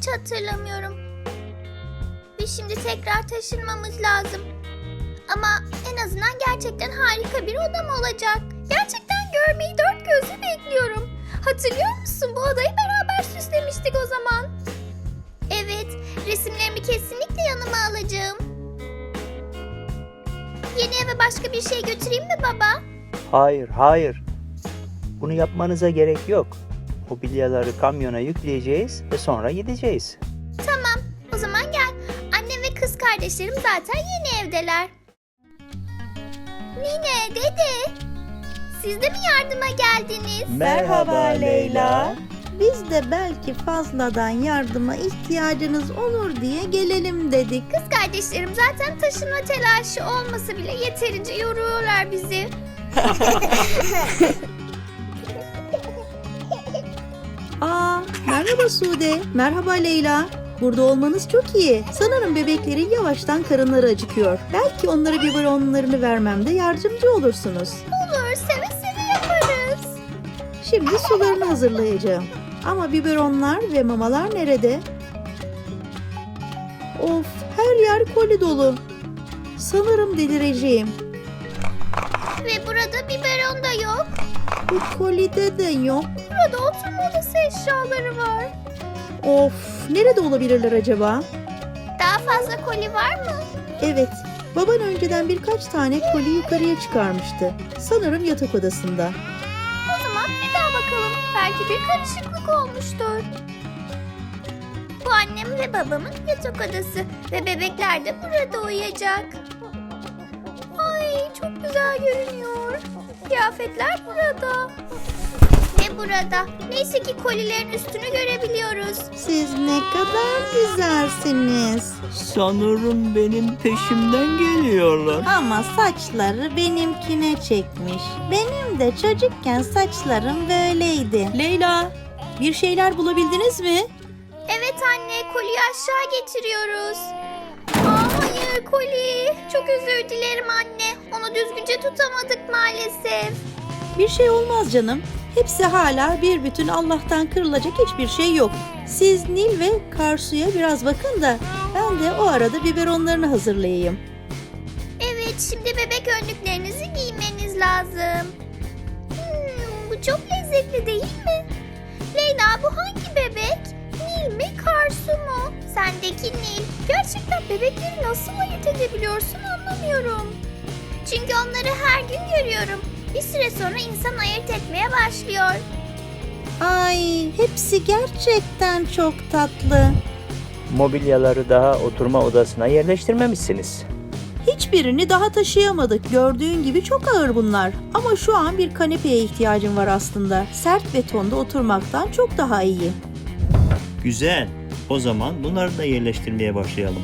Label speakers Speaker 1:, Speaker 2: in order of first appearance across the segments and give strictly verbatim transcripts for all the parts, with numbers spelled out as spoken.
Speaker 1: hiç hatırlamıyorum. Ve şimdi tekrar taşınmamız lazım. Ama en azından gerçekten harika bir odam olacak. Gerçekten görmeyi dört gözle bekliyorum. Hatırlıyor musun? Bu odayı beraber süslemiştik o zaman. Evet, resimlerimi kesinlikle yanıma alacağım. Yeni eve başka bir şey götüreyim mi baba?
Speaker 2: Hayır, hayır. Bunu yapmanıza gerek yok. Mobilyaları kamyona yükleyeceğiz ve sonra gideceğiz.
Speaker 1: Tamam, o zaman gel. Annem ve kız kardeşlerim zaten yeni evdeler. Nine, dede, siz de mi yardıma geldiniz?
Speaker 3: Merhaba Leyla. Biz de belki fazladan yardıma ihtiyacınız olur diye gelelim dedik.
Speaker 1: Kız kardeşlerim zaten taşınma telaşı olmasa bile yeterince yoruyorlar bizi.
Speaker 3: Aa, merhaba Sude. Merhaba Leyla. Burada olmanız çok iyi. Sanırım bebeklerin yavaştan karınları acıkıyor. Belki onlara biberonlarını vermemde yardımcı olursunuz.
Speaker 1: Olur, seve seve yaparız.
Speaker 3: Şimdi sularını hazırlayacağım. Ama biberonlar ve mamalar nerede? Of, her yer koli dolu. Sanırım delireceğim.
Speaker 1: Ve burada biberon da yok.
Speaker 3: Bu kolide de yok.
Speaker 1: Burada oturma odası eşyaları var.
Speaker 3: Of, nerede olabilirler acaba?
Speaker 1: Daha fazla koli var mı?
Speaker 3: Evet, baban önceden birkaç tane koli yukarıya çıkarmıştı. Sanırım yatak odasında.
Speaker 1: O zaman bir daha bakalım. Belki bir karışıklık olmuştur. Bu annem ve babamın yatak odası ve bebekler de burada uyuyacak. Ay çok güzel görünüyor. Kıyafetler burada. Ve burada. Neyse ki kolilerin üstünü görebiliyoruz.
Speaker 3: Siz ne kadar güzelsiniz.
Speaker 2: Sanırım benim peşimden geliyorlar.
Speaker 3: Ama saçları benimkine çekmiş. Benim de çocukken saçlarım böyleydi. Leyla, bir şeyler bulabildiniz mi?
Speaker 1: Evet anne, koliyi aşağı getiriyoruz. Aa, hayır koli. Çok özür dilerim anne. Onu düzgünce tutamadık maalesef.
Speaker 3: Bir şey olmaz canım. Hepsi hala bir bütün, Allah'tan kırılacak hiçbir şey yok. Siz Nil ve Karsu'ya biraz bakın da ben de o arada biberonlarını hazırlayayım.
Speaker 1: Evet, şimdi bebek önlüklerinizi giymeniz lazım. Hmm, bu çok lezzetli değil mi? Leyla, bu hangi bebek? Nil mi, Karsu mu? Sendeki Nil. Gerçekten bebekleri nasıl ayırt edebiliyorsun anlamıyorum. Çünkü onları her gün görüyorum. Bir süre sonra insan ayırt etmeye başlıyor.
Speaker 3: Ay, hepsi gerçekten çok tatlı.
Speaker 2: Mobilyaları daha oturma odasına yerleştirmemişsiniz.
Speaker 3: Hiçbirini daha taşıyamadık. Gördüğün gibi çok ağır bunlar. Ama şu an bir kanepeye ihtiyacım var aslında. Sert betonda oturmaktan çok daha iyi.
Speaker 4: Güzel. O zaman bunları da yerleştirmeye başlayalım.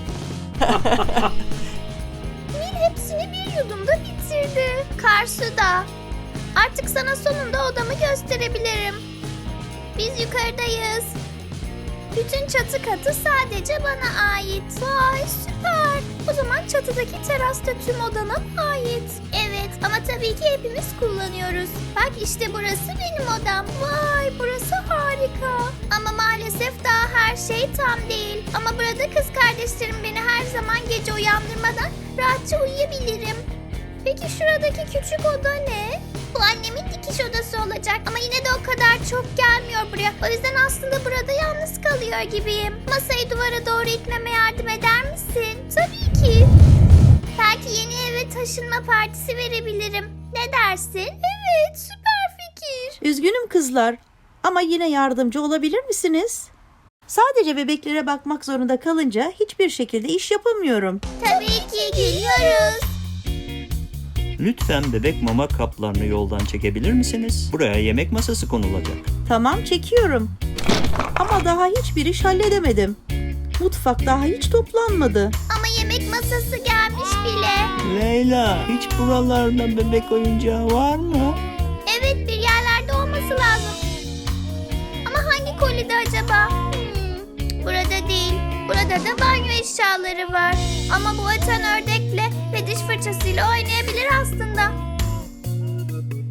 Speaker 1: Nil hepsini bir yudumda bitirdi. Karsu da. Artık sana sonunda odamı gösterebilirim. Biz yukarıdayız. Bütün çatı katı sadece bana ait. Vay süper. O zaman çatıdaki terasta tüm odana mı ait? Evet ama tabii ki hepimiz kullanıyoruz. Bak işte burası benim odam. Vay burası harika. Ama maalesef daha her şey tam değil. Ama burada kız kardeşlerim beni her zaman gece uyandırmadan rahatça uyuyabilirim. Peki şuradaki küçük oda ne? Bu annemin dikiş odası olacak ama yine de o kadar çok gelmiyor buraya. O yüzden aslında burada yalnız kalıyor gibiyim. Masayı duvara doğru itmeme yardım eder misin? Tabii ki. Belki yeni eve taşınma partisi verebilirim. Ne dersin? Evet, süper fikir.
Speaker 3: Üzgünüm kızlar ama yine yardımcı olabilir misiniz? Sadece bebeklere bakmak zorunda kalınca hiçbir şekilde iş yapamıyorum.
Speaker 1: Tabii ki geliyoruz.
Speaker 4: Lütfen bebek mama kaplarını yoldan çekebilir misiniz? Buraya yemek masası konulacak.
Speaker 3: Tamam, çekiyorum. Ama daha hiçbir iş halledemedim. Mutfak daha hiç toplanmadı.
Speaker 1: Ama yemek masası gelmiş bile.
Speaker 4: Leyla, hiç buralarda bebek oyuncağı var mı?
Speaker 1: Evet, bir yerlerde olması lazım. Ama hangi kolide acaba? Hmm, burada değil. Burada da banyo eşyaları var. Ama bu atan ördekle ve diş fırçasıyla oynayabilir aslında.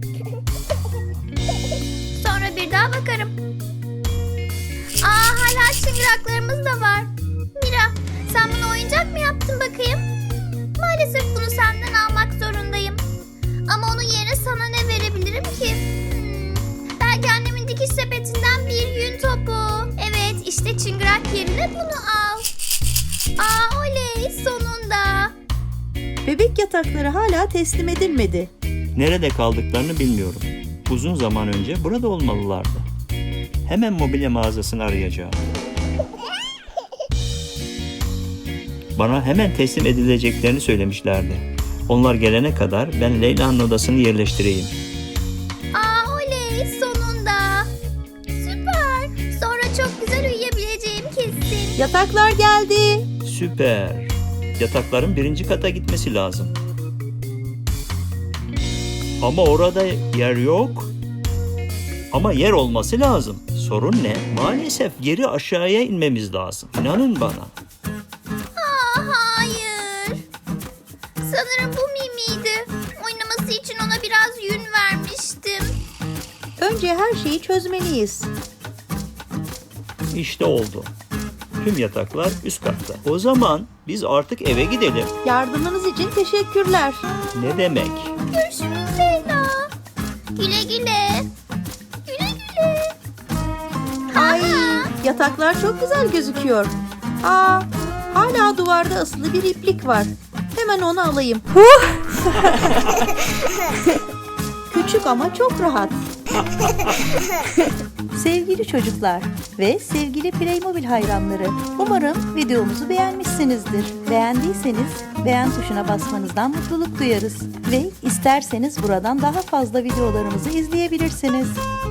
Speaker 1: Sonra bir daha bakarım. Aa, hala güzel çıngıraklarımız da var. Mira, sen bunu oyuncak mı yaptın bakayım? Maalesef bunu senden almak zorundayım. Ama onun yerine sana ne verebilirim ki? Hmm, belki annemin dikiş sepetinden bir yün topu. Evet, işte çıngırak yerine bunu al. Aa, oley, sonunda.
Speaker 3: Bebek yatakları hala teslim edilmedi.
Speaker 4: Nerede kaldıklarını bilmiyorum. Uzun zaman önce burada olmalılardı. Hemen mobilya mağazasını arayacağım. Bana hemen teslim edileceklerini söylemişlerdi. Onlar gelene kadar ben Leyla'nın odasını yerleştireyim.
Speaker 1: Aa, oley, sonunda. Süper. Sonra çok güzel uyuyabileceğim kesin.
Speaker 3: Yataklar geldi.
Speaker 4: Süper. Yatakların birinci kata gitmesi lazım. Ama orada yer yok. Ama yer olması lazım. Sorun ne? Maalesef geri aşağıya inmemiz lazım. İnanın bana.
Speaker 1: Aa, hayır. Sanırım bu Mimi'ydi. Oynaması için ona biraz yün vermiştim.
Speaker 3: Önce her şeyi çözmeliyiz.
Speaker 4: İşte oldu. Tüm yataklar üst katta. O zaman biz artık eve gidelim.
Speaker 3: Yardımınız için teşekkürler.
Speaker 4: Ne demek?
Speaker 1: Görüşürüz Leyla. Güle güle. Güle güle.
Speaker 3: Ay, yataklar çok güzel gözüküyor. Aa, hala duvarda asılı bir iplik var. Hemen onu alayım. Küçük ama çok rahat. Sevgili çocuklar ve sevgili Playmobil hayranları, umarım videomuzu beğenmişsinizdir. Beğendiyseniz beğen tuşuna basmanızdan mutluluk duyarız ve isterseniz buradan daha fazla videolarımızı izleyebilirsiniz.